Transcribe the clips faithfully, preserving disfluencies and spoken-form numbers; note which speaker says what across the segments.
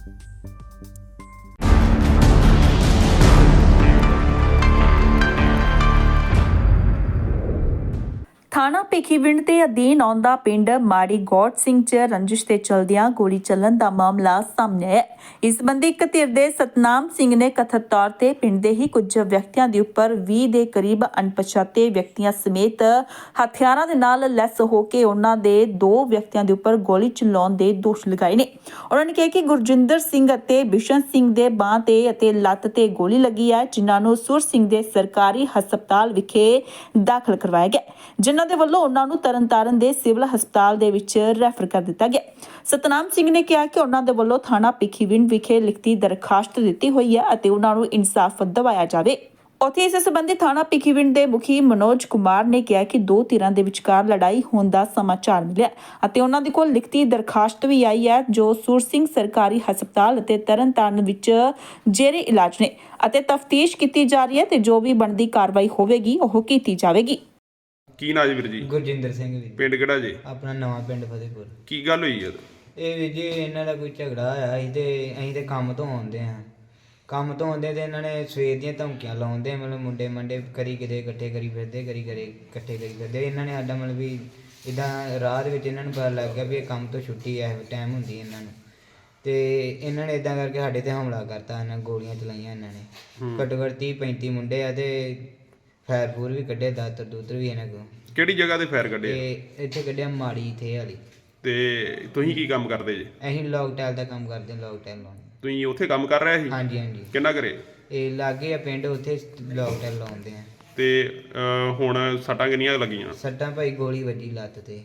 Speaker 1: ਥਾਣਾ ਭਿੱਖੀਵਿੰਡ ਦੇ ਅਧੀਨ ਆਉਂਦਾ ਪਿੰਡ ਮਾੜੀ ਗੌਡ ਸਿੰਘ 'ਚ ਰੰਜਿਸ਼ ਤੇ ਚਲਦਿਆਂ ਗੋਲੀ ਚੱਲਣ ਦਾ ਮਾਮਲਾ ਸਾਹਮਣੇ ਆਇਆ। ਇਸ ਸੰਬੰਧੀ ਇੱਕ ਧਿਰ ਦੇ ਸਤਨਾਮ ਸਿੰਘ ਨੇ ਕਥਿਤ ਤੌਰ ਤੇ ਪਿੰਡ ਦੇ ਹੀ ਕੁਝ ਵਿਅਕਤੀਆਂ ਦੇ ਉੱਪਰ ਵੀਹ ਦੇ ਕਰੀਬ ਅਣਪਛਾਤੇ ਵਿਅਕਤੀਆਂ ਸਮੇਤ ਹਥਿਆਰਾਂ ਦੇ ਨਾਲ ਲੈਸ ਹੋ ਕੇ ਉਹਨਾਂ ਦੇ ਦੋ ਵਿਅਕਤੀਆਂ ਦੇ ਉੱਪਰ ਗੋਲੀ ਚਲਾਉਣ ਦੇ ਦੋਸ਼ ਲਗਾਏ ਨੇ। ਉਹਨਾਂ ਨੇ ਕਿਹਾ ਕਿ ਗੁਰਜਿੰਦਰ ਸਿੰਘ ਅਤੇ ਬਿਸ਼ਨ ਸਿੰਘ ਦੇ ਬਾਂਹ ਤੇ ਅਤੇ ਲੱਤ ਤੇ ਗੋਲੀ ਲੱਗੀ ਹੈ, ਜਿਨ੍ਹਾਂ ਨੂੰ ਸੁਰ ਸਿੰਘ ਦੇ ਸਰਕਾਰੀ ਹਸਪਤਾਲ ਵਿਖੇ ਦਾਖਲ ਕਰਵਾਇਆ ਗਿਆ, ਜਿਨ੍ਹਾਂ ਦੇ ਵੱਲੋਂ ਉਹਨਾਂ ਨੂੰ ਤਰਨਤਾਰਨ ਦੇ ਸਿਵਲ ਹਸਪਤਾਲ ਦੇ ਵਿੱਚ ਰੈਫਰ ਕਰ ਦਿੱਤਾ ਗਿਆ। ਸਤਨਾਮ ਸਿੰਘ ਨੇ ਕਿਹਾ ਕਿ ਉਹਨਾਂ ਦੇ ਵੱਲੋਂ ਥਾਣਾ ਭਿੱਖੀਵਿੰਡ ਵਿਖੇ ਲਿਖਤੀ ਦਰਖਾਸਤ ਦਿੱਤੀ ਹੋਈ ਹੈ ਅਤੇ ਉਹਨਾਂ ਨੂੰ ਇਨਸਾਫ ਦਿਵਾਇਆ ਜਾਵੇ। ਉੱਥੇ ਇਸ ਸੰਬੰਧੀ ਥਾਣਾ ਭਿੱਖੀਵਿੰਡ ਦੇ ਮੁਖੀ ਮਨੋਜ ਕੁਮਾਰ ਨੇ ਕਿਹਾ ਕਿ ਦੋ ਧਿਰਾਂ ਦੇ ਵਿਚਕਾਰ ਲੜਾਈ ਹੋਣ ਦਾ ਸਮਾਚਾਰ ਮਿਲਿਆ ਅਤੇ ਉਹਨਾਂ ਦੇ ਕੋਲ ਲਿਖਤੀ ਦਰਖਾਸਤ ਵੀ ਆਈ ਹੈ, ਜੋ ਸੁਰ ਸਿੰਘ ਸਰਕਾਰੀ ਹਸਪਤਾਲ ਅਤੇ ਤਰਨਤਾਰਨ ਵਿੱਚ ਜੇਰੇ ਇਲਾਜ ਨੇ ਅਤੇ ਤਫਤੀਸ਼ ਕੀਤੀ ਜਾ ਰਹੀ ਹੈ ਤੇ ਜੋ ਵੀ ਬਣਦੀ ਕਾਰਵਾਈ ਹੋਵੇਗੀ ਉਹ ਕੀਤੀ ਜਾਵੇਗੀ।
Speaker 2: ਕੀ ਨਾਂ ਜੀ ਵੀਰ ਜੀ?
Speaker 3: ਗੁਰਜਿੰਦਰ ਸਿੰਘ ਜੀ।
Speaker 2: ਪਿੰਡ ਕਿਹੜਾ ਜੀ?
Speaker 3: ਆਪਣਾ ਨਵਾਂ ਪਿੰਡ ਫਤਿਹਪੁਰ।
Speaker 2: ਕੀ ਗੱਲ ਹੋਈ ਹੈ?
Speaker 3: ਇਹ ਵੀਰ ਜੀ ਇਹਨਾਂ ਦਾ ਕੋਈ ਝਗੜਾ ਹੋਇਆ ਸੀ ਤੇ ਅਸੀਂ ਤੇ ਕੰਮ ਤੋਂ ਆਉਂਦੇ ਹਾਂ ਕੰਮ ਤੋਂ ਆਉਂਦੇ ਤੇ ਇਹਨਾਂ ਨੇ ਸਵੇਰ ਦੀਆਂ ਧਮਕੀਆਂ ਲਾਉਂਦੇ, ਮਤਲਬ ਮੁੰਡੇ ਮੰਡੇ ਕਰੀ ਕਿਤੇ ਇਕੱਠੇ ਕਰੀ ਫਿਰਦੇ ਕਰੀ ਕਰੇ ਇਕੱਠੇ ਕਰੀ ਫਿਰਦੇ ਇਹਨਾਂ ਨੇ ਸਾਡਾ ਮਤਲਬ ਵੀ ਇੱਦਾਂ ਰਾਹ ਦੇ ਵਿੱਚ ਇਹਨਾਂ ਨੂੰ ਪਤਾ ਲੱਗ ਗਿਆ ਵੀ ਇਹ ਕੰਮ ਤੋਂ ਛੁੱਟੀ ਐ ਟਾਈਮ ਹੁੰਦੀ ਇਹਨਾਂ ਨੂੰ, ਤੇ ਇਹਨਾਂ ਨੇ ਇੱਦਾਂ ਕਰਕੇ ਸਾਡੇ ਤੇ ਹਮਲਾ ਕਰਤਾ। ਇਹਨਾਂ ਗੋਲੀਆਂ ਚਲਾਈਆਂ ਇਹਨਾਂ ਨੇ। ਘੱਟੋ ਘੱਟ ਤੀਹ ਪੈਂਤੀ ਮੁੰਡੇ ਆ ਤੇ ਫਾਇਰ ਫੂਰ ਵੀ ਕੱਢੇ, ਦਾਤਰ ਦੂਤਰ ਵੀ ਇਹਨਾਂ ਕੋਲ।
Speaker 2: ਕਿਹੜੀ ਜਗ੍ਹਾ ਤੇ ਫਾਇਰ ਕੱਢੇ?
Speaker 3: ਤੇ ਇੱਥੇ ਕੱਢਿਆ ਮਾੜੀ ਇੱਥੇ ਵਾਲੀ।
Speaker 2: ਤੇ ਤੁਸੀਂ ਕੀ ਕੰਮ ਕਰਦੇ ਜੀ?
Speaker 3: ਅਸੀਂ ਲੌਕ ਟਾਈਲ ਦਾ ਕੰਮ ਕਰਦੇ ਹਾਂ। ਲੌਕ ਟਾਈਲ ਲਾਉਣ।
Speaker 2: ਤੁਸੀਂ ਉੱਥੇ ਕੰਮ ਕਰ ਰਹੇ ਸੀ?
Speaker 3: ਹਾਂਜੀ ਹਾਂਜੀ।
Speaker 2: ਕਿੰਨਾ ਕਰੇ? ਇਹ
Speaker 3: ਲਾਗੇ ਆ ਪਿੰਡ, ਉੱਥੇ ਲੌਕ ਟਾਈਲ ਲਾਉਂਦੇ ਆ।
Speaker 2: ਤੇ ਹੁਣ ਸੱਟਾਂ ਕਿੰਨੀਆਂ ਲੱਗੀਆਂ?
Speaker 3: ਸੱਟਾਂ ਭਾਈ ਗੋਲੀ ਵੱਜੀ ਲੱਤ ਤੇ।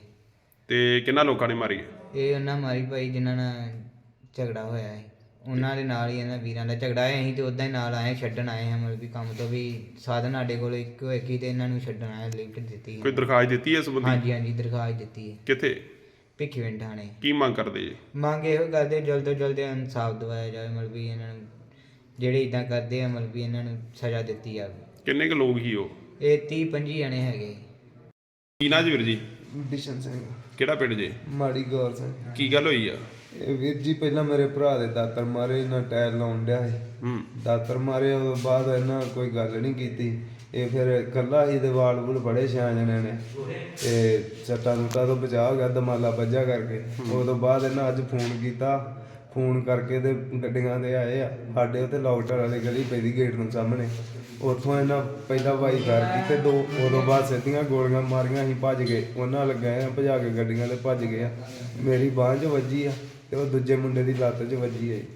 Speaker 2: ਤੇ ਕਿੰਨਾ ਲੋਕਾਂ ਨੇ ਮਾਰੀ?
Speaker 3: ਇਹ ਉਹਨਾਂ ਮਾਰੀ ਭਾਈ ਜਿਨ੍ਹਾਂ ਨਾਲ ਝਗੜਾ ਹੋਇਆ ਹੈ, ਉਹਨਾਂ ਦੇ ਨਾਲ ਹੀ ਇਹਨਾਂ ਵੀਰਾਂ ਦਾ ਝਗੜਾ ਹੈ। ਅਸੀਂ ਤੇ ਉੱਦਾਂ ਹੀ ਨਾਲ ਆਏ, ਛੱਡਣ ਆਏ ਹਾਂ, ਮਤਲਬ ਵੀ ਕੰਮ ਤੋਂ ਵੀ ਸਾਧਨ ਸਾਡੇ ਕੋਲ ਇੱਕੋ ਇੱਕ ਹੀ ਤੇ ਇਹਨਾਂ ਨੂੰ ਛੱਡਣ ਆਏ। ਲਿਫਟ ਦਿੱਤੀ।
Speaker 2: ਕੋਈ ਦਰਖਾਸਤ ਦਿੱਤੀ ਹੈ ਇਸ ਸੰਬੰਧੀ?
Speaker 3: ਹਾਂਜੀ ਹਾਂਜੀ ਦਰਖਾਸਤ ਦਿੱਤੀ ਹੈ।
Speaker 2: ਕਿੱਥੇ?
Speaker 3: ਭਿੱਖੀਵਿੰਡ ਥਾਣੇ।
Speaker 2: ਕੀ ਮੰਗ ਕਰਦੇ ਜੀ?
Speaker 3: ਮੰਗ ਇਹੋ ਕਰਦੇ ਜਲਦ ਤੋਂ ਜਲਦ ਇਨਸਾਫ ਦਿਵਾਇਆ ਜਾਵੇ, ਮਤਲਬ ਵੀ ਇਹਨਾਂ ਨੂੰ ਜਿਹੜੇ ਇੱਦਾਂ ਕਰਦੇ ਆ ਮਤਲਬ ਵੀ ਇਹਨਾਂ ਨੂੰ ਸਜ਼ਾ ਦਿੱਤੀ ਜਾਵੇ।
Speaker 2: ਕਿੰਨੇ ਕੁ ਲੋਕ ਹੀ ਉਹ?
Speaker 3: ਇਹ ਤੀਹ ਪੰਜੀ ਜਣੇ ਹੈਗੇ।
Speaker 2: ਕੀ ਨਾਂ ਜੀ ਵੀਰ ਜੀ?
Speaker 4: ਬਿਸ਼ਨ ਸਿੰਘ।
Speaker 2: ਕਿਹੜਾ ਪਿੰਡ ਜੀ?
Speaker 4: ਮਾੜੀ ਗੌਰ ਸਿੰਘ।
Speaker 2: ਕੀ ਗੱਲ ਹੋਈ ਆ?
Speaker 4: ਇਹ ਵੀਰ ਜੀ ਪਹਿਲਾਂ ਮੇਰੇ ਭਰਾ ਦੇ ਦਾਤਰ ਮਾਰੇ, ਇਹਨਾਂ ਟਾਇਰ ਲਾਉਣ ਡਿਆ ਸੀ।
Speaker 2: ਹੂੰ।
Speaker 4: ਦਾਤਰ ਮਾਰੇ ਉਸ ਤੋਂ ਬਾਅਦ ਇਹਨਾਂ ਕੋਈ ਗੱਲ ਨਹੀਂ ਕੀਤੀ। ਇਹ ਫਿਰ ਇਕੱਲਾ ਹੀ ਦੇ ਵਾਲ ਵੂਲ ਬੜੇ ਛਿਆ ਜਣੇ ਨੇ ਤੇ ਸੱਟਾਂ ਸੁੱਟਾਂ ਤੋਂ ਬਚਾਅ ਹੋ ਗਿਆ, ਦਮਾਲਾ ਵੱਜਾ ਕਰਕੇ। ਉਸ ਤੋਂ ਬਾਅਦ ਇਹਨਾਂ ਅੱਜ ਫੋਨ ਕੀਤਾ, ਫੋਨ ਕਰਕੇ ਤੇ ਗੱਡੀਆਂ ਦੇ ਆਏ ਆ ਸਾਡੇ ਉੱਤੇ ਲੌਕਟਰ ਵਾਲੀ ਗਲੀ ਪੈਂਦੀ ਗੇਟ ਨੂੰ ਸਾਹਮਣੇ। ਉੱਥੋਂ ਇਹਨਾਂ ਪਹਿਲਾਂ ਵਾਈ ਫਾਇਰ ਕੀਤੇ ਦੋ, ਉਦੋਂ ਬਾਅਦ ਸਿੱਧੀਆਂ ਗੋਲੀਆਂ ਮਾਰੀਆਂ। ਅਸੀਂ ਭੱਜ ਗਏ, ਉਹਨਾਂ ਲੱਗੇ ਆ ਭਜਾ ਕੇ ਗੱਡੀਆਂ ਤੇ ਭੱਜ ਗਏ ਆ। ਮੇਰੀ ਬਾਂਹ 'ਚ ਵੱਜੀ ਆ ਤੇ ਉਹ ਦੂਜੇ ਮੁੰਡੇ ਦੀ ਲੱਤ 'ਚ ਵੱਜੀ ਹੈ।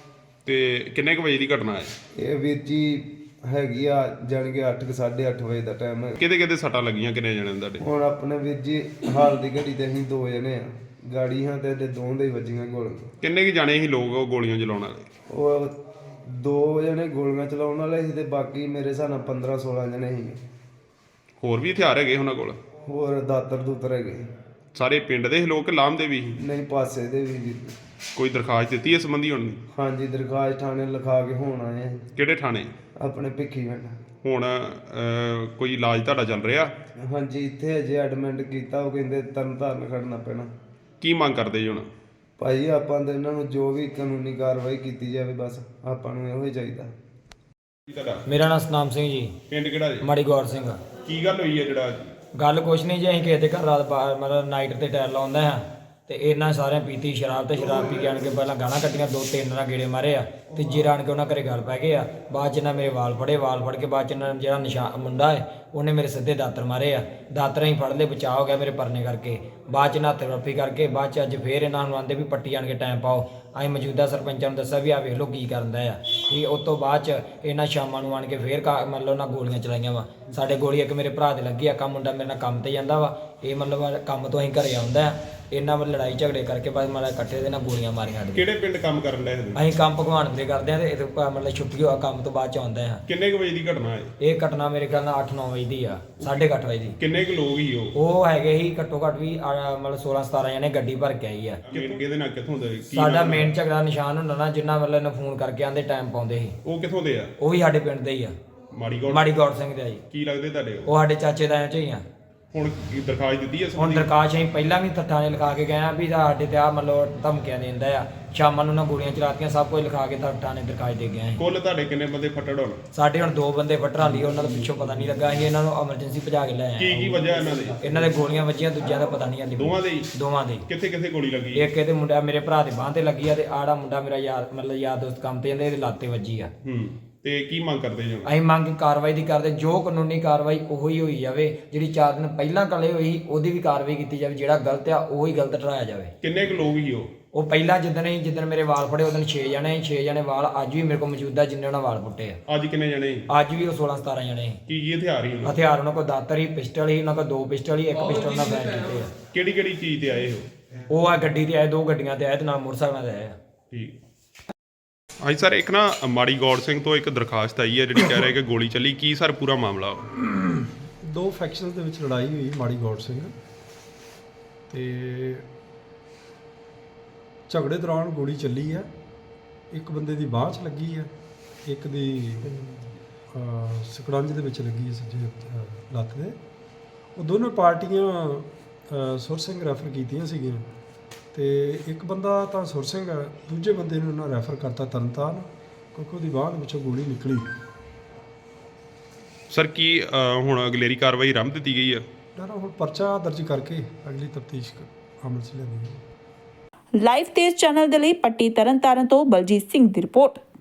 Speaker 2: ਤੇ ਕਿੰਨੇ ਕੁ ਵਜੇ ਦੀ ਘਟਨਾ ਹੈ
Speaker 4: ਇਹ ਵੀਰ ਜੀ? ਹੈਗੀ ਆ ਜਾਣ ਕੇ ਅੱਠ ਸਾਢੇ ਅੱਠ ਵਜੇ ਦਾ ਟਾਈਮ ਹੈ।
Speaker 2: ਕਿਹਦੇ ਕਿਹਦੇ ਸੱਟਾਂ ਲੱਗੀਆਂ? ਕਿੰਨੇ ਜਣੇ ਤੁਹਾਡੇ?
Speaker 4: ਹੁਣ ਆਪਣੇ ਵੀਰ ਜੀ ਹਾਲ ਦੀ ਘੜੀ ਤੇ ਅਸੀਂ ਦੋ ਜਣੇ ਆ, ਗਾੜੀ ਹਾਂ ਤੇ ਦੋਵਾਂ ਦੇ ਵੱਜੀਆਂ ਗੋਲੀਆਂ।
Speaker 2: ਕਿੰਨੇ ਕੁ ਜਾਣੇ ਸੀ ਲੋਕ ਉਹ ਗੋਲੀਆਂ ਚਲਾਉਣ ਵਾਲੇ?
Speaker 4: ਉਹ ਦੋ ਜਣੇ ਗੋਲੀਆਂ ਚਲਾਉਣ ਵਾਲੇ ਸੀ ਤੇ ਬਾਕੀ ਮੇਰੇ ਹਿਸਾਬ ਨਾਲ ਪੰਦਰਾਂ ਸੋਲਾਂ ਜਣੇ ਸੀ।
Speaker 2: ਹੋਰ ਵੀ ਹਥਿਆਰ ਹੈਗੇ ਉਹਨਾਂ ਕੋਲ?
Speaker 4: ਹੋਰ ਦਾਤਰ ਦੂਤਰ ਹੈਗੇ।
Speaker 2: ਸਾਰੇ ਪਿੰਡ ਦੇ ਲੋਕ ਲਾਮ ਦੇ ਵੀ?
Speaker 4: ਨਹੀਂ ਪਾਸੇ ਦੇ ਵੀ।
Speaker 2: ਕੋਈ ਦਰਖਾਸਤ ਦਿੱਤੀ ਇਸ ਸੰਬੰਧੀ ਹੁਣ?
Speaker 4: ਹਾਂਜੀ ਦਰਖਾਸਤ ਥਾਣੇ ਲਿਖਾ ਕੇ ਹੁਣ ਆਏ ਆ।
Speaker 2: ਕਿਹੜੇ ਥਾਣੇ?
Speaker 4: ਆਪਣੇ ਭਿੱਖੀਵਿੰਡ।
Speaker 2: ਹੁਣ ਕੋਈ ਇਲਾਜ ਤੁਹਾਡਾ ਚੱਲ ਰਿਹਾ?
Speaker 4: ਹਾਂਜੀ ਇੱਥੇ ਅਜੇ ਐਡਮਿਟ ਕੀਤਾ, ਉਹ ਕਹਿੰਦੇ ਤਰਨਤਾਰਨ ਖੜਨਾ ਪੈਣਾ।
Speaker 2: ਕੀ ਮੰਗ ਕਰਦੇ ਜੀ ਹੁਣ?
Speaker 4: ਭਾਈ ਆਪਾਂ ਤਾਂ ਇਹਨਾਂ ਨੂੰ ਜੋ ਵੀ ਕਾਨੂੰਨੀ ਕਾਰਵਾਈ ਕੀਤੀ ਜਾਵੇ, ਬਸ ਆਪਾਂ ਨੂੰ ਇਹੋ ਹੀ ਚਾਹੀਦਾ।
Speaker 5: ਮੇਰਾ ਨਾਮ ਸਤਨਾਮ ਸਿੰਘ ਜੀ।
Speaker 2: ਪਿੰਡ ਕਿਹੜਾ ਜੀ?
Speaker 5: ਮਾੜੀ ਗੌਰ ਸਿੰਘ।
Speaker 2: ਕੀ ਗੱਲ ਹੋਈ ਹੈ? ਜਿਹੜਾ
Speaker 5: ਗੱਲ ਕੁਛ ਨਹੀਂ ਜੀ, ਅਸੀਂ ਕਿਸੇ ਦੇ ਘਰ ਰਾਤ ਬਾਹਰ ਮਤਲਬ ਨਾਈਟ ਤੇ ਟਾਇਰ ਲਾਉਂਦੇ ਹਾਂ ਤੇ ਇਹਨਾਂ ਸਾਰਿਆਂ ਪੀਤੀ ਸ਼ਰਾਬ ਤੇ ਸ਼ਰਾਬ ਪੀ ਕੇ ਆਣ ਕੇ ਪਹਿਲਾਂ ਗਾਲਾਂ ਕੱਢੀਆਂ, ਦੋ ਤਿੰਨ ਨਾਲ ਗੇੜੇ ਮਾਰੇ ਆ। ਤੀਜੇ ਰਾਣ ਕੇ ਉਹਨਾਂ ਘਰੇ ਗੱਲ ਪੈ ਗਏ ਆ। ਬਾਅਦ 'ਚ ਇਹਨਾਂ ਮੇਰੇ ਵਾਲ ਫੜੇ, ਵਾਲ ਫੜ ਕੇ ਬਾਅਦ 'ਚ ਇਹਨਾਂ ਜਿਹੜਾ ਨਿਸ਼ਾਨ ਮੁੰਡਾ ਹੈ ਉਹਨੇ ਮੇਰੇ ਸਿੱਧੇ ਦਾਤਰ ਮਾਰੇ ਆ। ਦਾਤਰ ਅਸੀਂ ਫੜ ਲਏ, ਬਚਾਅ ਹੋ ਗਿਆ ਮੇਰੇ ਪਰਨੇ ਕਰਕੇ। ਬਾਅਦ 'ਚ ਨੱਥ ਰੱਫੀ ਕਰਕੇ ਬਾਅਦ 'ਚ ਅੱਜ ਫੇਰ ਇਹਨਾਂ ਨੂੰ ਆਂਦੇ ਵੀ ਪੱਟੀ ਆਣ ਕੇ ਟਾਈਮ ਪਾਓ। ਅਸੀਂ ਮੌਜੂਦਾ ਸਰਪੰਚਾਂ ਨੂੰ ਦੱਸਿਆ ਵੀ ਆ ਵੇਖ ਲਓ ਕੀ ਕਰਦਾ ਆ। ਠੀਕ, ਉਸ ਤੋਂ ਬਾਅਦ 'ਚ ਇਹਨਾਂ ਸ਼ਾਮਾਂ ਨੂੰ ਆਣ ਕੇ ਫੇਰ ਮਤਲਬ ਉਹਨਾਂ ਗੋਲੀਆਂ ਚਲਾਈਆਂ ਵਾ ਸਾਡੇ। ਗੋਲੀ ਇੱਕ ਮੇਰੇ ਭਰਾ ਦੇ ਲੱਗੀ ਆ, ਕੰਮ ਮੁੰਡਾ ਮੇਰੇ ਨਾਲ ਕੰਮ ਤੇ ਜਾਂਦਾ ਵਾ। ਇਹ ਮਤਲਬ ਕੰਮ ਤੋਂ ਅਸੀਂ ਘਰੇ ਆਉਂਦਾ ਇਹਨਾਂ ਵੱਲ ਲੜਾਈ ਝਗੜੇ ਕਰਕੇ ਬਸ ਮਤਲਬ ਇਕੱਠੇ ਦੇ ਨਾਲ ਗੋਲੀਆਂ ਮਾਰੀਆਂ ਸਾਡੇ।
Speaker 2: ਕਿਹੜੇ ਪਿੰਡ ਕੰਮ ਕਰਨ ਡਏ?
Speaker 5: ਅਸੀਂ ਕੰਮ ਭਗਵਾਨ ਦੇ ਕਰਦੇ ਹਾਂ ਤੇ ਇਹ ਮਤਲਬ ਛੁੱਟੀ ਹੋਆ ਕੰਮ ਤੋਂ ਬਾਅਦ 'ਚ ਆਉਂਦੇ ਹਾਂ।
Speaker 2: ਕਿੰਨੇ ਕੁ ਵਜੇ ਦੀ ਘਟਨਾ ਹੈ
Speaker 5: ਇਹ? ਘਟਨਾ ਮੇਰੇ ਖਿਆਲ ਨਾਲ ਅੱਠ ਨੌ ਵਜੇ ਦੀ ਆ, ਸਾਢੇ ਕੁ ਅੱਠ ਵਜੇ ਦੀ।
Speaker 2: ਕਿੰਨੇ ਕੁ ਲੋਕ ਹੀ ਉਹ?
Speaker 5: ਉਹ ਹੈਗੇ ਸੀ ਘੱਟੋ ਘੱਟ ਵੀ ਮਤਲਬ ਸੋਲਾਂ ਸਤਾਰਾਂ ਜਣੇ ਗੱਡੀ ਭਰ ਕੇ ਆਈ ਆ।
Speaker 2: ਕਿਹਦੇ ਨਾਲ ਕਿੱਥੋਂ ਦੇ?
Speaker 5: ਸਾਡਾ ਮੇਨ ਝਗੜਾ ਨਿਸ਼ਾਨ ਹੁੰਦਾ ਨਾ, ਜਿੰਨਾ ਮਤਲਬ ਇਹਨੂੰ ਫੋਨ ਕਰਕੇ ਆਂਦੇ ਟਾਈਮ ਪਾਉਂਦੇ ਸੀ।
Speaker 2: ਉਹ ਕਿੱਥੋਂ ਦੇ ਆ?
Speaker 5: ਉਹ ਵੀ ਸਾਡੇ ਪਿੰਡ ਦੇ ਹੀ ਆ,
Speaker 2: ਮਾੜੀ ਗੌਰ।
Speaker 5: ਮਾੜੀ ਗੌਰ ਸਿੰਘ ਦੇ ਆ ਜੀ।
Speaker 2: ਕੀ ਲੱਗਦੇ ਤੁਹਾਡੇ?
Speaker 5: ਉਹ ਸਾਡੇ ਚਾਚੇ ਤਾਇਆਂ ਚੋਂ ਹੀ ਆ।
Speaker 2: ਹੁਣ ਕੀ ਦਰਖਾਸਤ ਦਿੱਤੀ ਹੈ
Speaker 5: ਹੁਣ
Speaker 2: ਸੰਬੰਧੀ?
Speaker 5: ਦਰਖਾਸਤ ਅਸੀਂ ਪਹਿਲਾਂ ਵੀ ਥਾਣੇ ਲਿਖਾ ਕੇ ਗਏ ਆ ਵੀ ਸਾਡੇ ਤੇ ਆ ਮਤਲਬ ਧਮਕੀਆਂ ਦਿੰਦਾ ਆ, ਸ਼ਾਮਾਂ ਨੂੰ ਨਾ ਗੋਲੀਆਂ ਚਲਾਤੀਆਂ, ਸਭ ਕੁਝ ਲਿਖਾ ਕੇ ਤਾਂ ਥਾਣੇ ਦਰਖਾਸਤ ਦੇ ਗਏ ਆ।
Speaker 2: ਕੁੱਲ ਤੁਹਾਡੇ ਕਿੰਨੇ ਬੰਦੇ ਫੱਟੜ ਹੋਣ?
Speaker 5: ਸਾਡੇ ਹੁਣ ਦੋ ਬੰਦੇ ਫਟਰਾਂ ਲਈ ਉਹਨਾਂ ਦਾ ਪਿੱਛੋਂ ਪਤਾ ਨਹੀਂ ਲੱਗਾ, ਅਸੀਂ ਇਹਨਾਂ ਨੂੰ ਐਮਰਜੈਂਸੀ ਭਜਾ ਕੇ ਲੈ
Speaker 2: ਕੀ
Speaker 5: ਆਏ
Speaker 2: ਕੀ
Speaker 5: ਆ।
Speaker 2: ਵਜ੍ਹਾ ਇਹਨਾਂ ਦੀ?
Speaker 5: ਇਹਨਾਂ ਦੇ ਗੋਲੀਆਂ ਵੱਜੀਆਂ, ਦੂਜਿਆਂ ਦਾ ਪਤਾ ਨਹੀਂ ਹਾਲੇ।
Speaker 2: ਦੋਵਾਂ ਦੇ ਹੀ?
Speaker 5: ਦੋਵਾਂ ਦੇ।
Speaker 2: ਕਿੱਥੇ ਕਿੱਥੇ ਗੋਲੀ ਲੱਗੀ?
Speaker 5: ਇੱਕ ਇਹਦੇ ਮੁੰਡਾ ਮੇਰੇ ਭਰਾ ਦੇ ਬਾਂਹ ਤੇ ਲੱਗੀ ਆ, ਤੇ ਆੜਾ ਮੁੰਡਾ ਮੇਰਾ ਯਾਰ ਮਤਲਬ ਯਾਰ ਦੋਸਤ ਕੰਮ ਤੇ ਜਾਂਦੇ, ਇਹਦੇ ਲੱਤ ਤੇ ਵੱਜੀ ਆ।
Speaker 2: ਹੂੰ ਤੇ ਕੀ ਮੰਗ ਕਰਦੇ ਜੀ?
Speaker 5: ਅਸੀਂ ਮੰਗ ਕਾਰਵਾਈ ਦੀ ਕਰਦੇ, ਜੋ ਕਾਨੂੰਨੀ ਕਾਰਵਾਈ ਉਹੀ ਹੋਈ ਜਾਵੇ, ਜਿਹੜੀ ਚਾਰ ਦਿਨ ਪਹਿਲਾਂ ਕਲੇ ਹੋਈ ਉਹਦੀ ਵੀ ਕਾਰਵਾਈ ਕੀਤੀ ਜਾਵੇ, ਜਿਹੜਾ ਗਲਤ ਆ ਉਹੀ ਗਲਤ ਠਹਿਰਾਇਆ ਜਾਵੇ।
Speaker 2: ਕਿੰਨੇ ਕੁ ਲੋਕ ਹੀ ਉਹ?
Speaker 5: ਉਹ ਪਹਿਲਾਂ ਜਿੱਦਣ ਹੀ ਜਿੱਦਣ ਮੇਰੇ ਵਾਲ ਫੜੇ ਉਦੋਂ ਛੇ ਜਣੇ ਛੇ ਜਣੇ ਵਾਲ ਅੱਜ ਵੀ ਮੇਰੇ ਕੋਲ ਮੌਜੂਦ ਆ, ਜਿੰਨੇ ਉਹਨਾਂ ਵਾਲ ਪੁੱਟੇ ਆ।
Speaker 2: ਅੱਜ ਕਿੰਨੇ ਜਣੇ ਸੀ?
Speaker 5: ਅੱਜ ਵੀ ਉਹ ਸੋਲਾਂ ਸਤਾਰਾਂ ਜਣੇ ਸੀ।
Speaker 2: ਕੀ ਕੀ ਹਥਿਆਰ ਹੀ ਉਹਨਾਂ?
Speaker 5: ਹਥਿਆਰ ਉਹਨਾਂ ਕੋਲ ਦਾਤਰ ਹੀ, ਪਿਸਟਲ ਹੀ, ਉਹਨਾਂ ਕੋਲ ਦੋ ਪਿਸਟਲ ਹੀ, ਇੱਕ ਪਿਸਟਲ ਨਾਲ ਫਾਇਰ ਕੀਤੇ ਆ।
Speaker 2: ਕਿਹੜੀ ਕਿਹੜੀ ਚੀਜ਼ ਤੇ ਆਏ ਉਹ?
Speaker 5: ਉਹ ਆ ਗੱਡੀ ਤੇ ਆਏ, ਦੋ ਗੱਡੀਆਂ ਤੇ ਆਏ ਤੇ ਨਾਲ ਮੋਟਰਸਾਈਕਲਾਂ ਤੇ ਆਏ ਆ।
Speaker 2: ਠੀਕ। ਹਾਂਜੀ ਸਰ, ਇੱਕ ਨਾ ਮਾੜੀ ਗੌੜ ਸਿੰਘ ਤੋਂ ਇੱਕ ਦਰਖਾਸਤ ਆਈ ਹੈ ਜਿਹੜੀ ਕਹਿ ਰਿਹਾ ਕਿ ਗੋਲੀ ਚੱਲੀ, ਕੀ ਸਰ ਪੂਰਾ ਮਾਮਲਾ?
Speaker 6: ਦੋ ਫੈਕਸ਼ਨਸ ਦੇ ਵਿੱਚ ਲੜਾਈ ਹੋਈ ਮਾੜੀ ਗੌੜ ਸਿੰਘ ਤੇ ਝਗੜੇ ਦੌਰਾਨ ਗੋਲੀ ਚੱਲੀ ਹੈ। ਇੱਕ ਬੰਦੇ ਦੀ ਬਾਂਹ 'ਚ ਲੱਗੀ ਹੈ, ਇੱਕ ਦੀ ਅਹ, ਸਕੜੰਜ ਦੇ ਵਿੱਚ ਲੱਗੀ ਹੈ, ਸੱਜੇ ਅਹ, ਲੱਤ ਦੇ। ਉਹ ਦੋਨੋਂ ਪਾਰਟੀਆਂ ਅਹ, ਸੁਰ ਸਿੰਘ ਰੈਫਰ ਕੀਤੀਆਂ ਸੀਗੀਆਂ ਤੇ ਇੱਕ ਬੰਦਾ ਤਾਂ ਸੁਰ ਸਿੰਘ ਹੈ, ਦੂਜੇ ਬੰਦੇ ਨੂੰ ਉਹਨਾਂ ਰੈਫਰ ਕਰਤਾ ਤਰਨਤਾਰਨ, ਕਿਉਂਕਿ ਉਹਦੀ ਬਾਂਹ ਦੇ ਵਿੱਚੋਂ ਗੋਲੀ ਨਿਕਲੀ।
Speaker 2: ਸਰ ਕੀ ਅਹ, ਹੁਣ ਅਗਲੇਰੀ ਕਾਰਵਾਈ ਆਰੰਭ ਦਿੱਤੀ ਗਈ ਹੈ?
Speaker 6: ਨਾ ਹੁਣ ਪਰਚਾ ਦਰਜ ਕਰਕੇ ਅਗਲੀ ਤਫਤੀਸ਼ ਅਮਲ 'ਚ ਲਿਆਂਦੀ ਹੈ।
Speaker 1: ਲਾਈਵ ਤੇਜ਼ ਚੈਨਲ ਦੇ ਲਈ ਪੱਟੀ ਤਰਨਤਾਰਨ ਤੋਂ ਬਲਜੀਤ ਸਿੰਘ ਦੀ ਰਿਪੋਰਟ।